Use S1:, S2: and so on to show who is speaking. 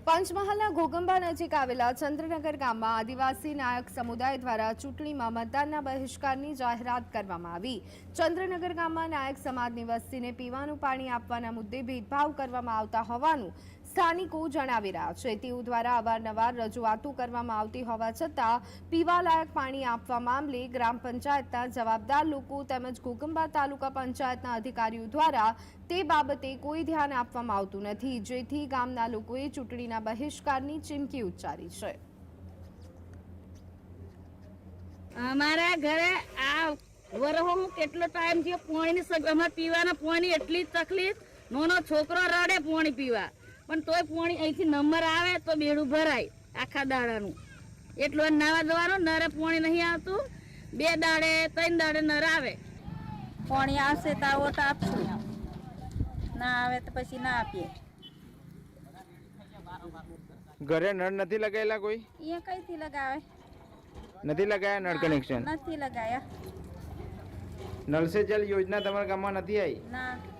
S1: પંચમહાલના ઘોગંબા નજીક આવેલા ચંદ્રનગર ગામમાં આદિવાસી નાયક સમુદાય દ્વારા ચૂંટણીમાં મતદાનના બહિષ્કારની જાહેરાત કરવામાં આવી। ચંદ્રનગર ગામમાં નાયક સમાજની વસ્તીને પીવાનું પાણી આપવાના મુદ્દે ભેદભાવ કરવામાં આવતા હોવાનું સ્થાનિકો જણાવી રહ્યા છે। તેઓ દ્વારા અવારનવાર રજૂઆતો કરવામાં આવતી હોવા છતાં પીવાલાયક પાણી આપવા મામલે ગ્રામ પંચાયતના જવાબદાર લોકો તેમજ ઘોગંબા તાલુકા પંચાયતના અધિકારીઓ દ્વારા તે બાબતે કોઈ ધ્યાન આપવામાં આવતું નથી, જેથી ગામના લોકોએ ચૂંટણીના બહિષ્કારની ચીમકી ઉચ્ચારી છે।
S2: અમારા ઘરે આ વરહોમાં કેટલો ટાઈમ થયો પાણીની અમારે પીવાના પાણી એટલી તકલીફ, નાનો છોકરો રડે પાણી પીવા, પણ તોય પાણી અહીંથી નંબર આવે તો બેડું ભરાય આખા દાડાનું। એટલું નાવા દવાનું નરે પાણી નહીં આવતું, 2 દાડે 3 દાડે નર આવે।
S3: પાણી આવશે તો ઓટ આપશું, ના આવે તો પછી ના આપીએ।
S4: ઘરે નળ નથી લગાયેલા? કોઈ
S3: અહીંયા કઈથી લગાવે?
S4: નથી લગાયા નળ કનેક્શન?
S3: નથી લગાયા।
S4: નલ સે જલ યોજના તમારા ગામમાં નથી આવી?
S3: ના।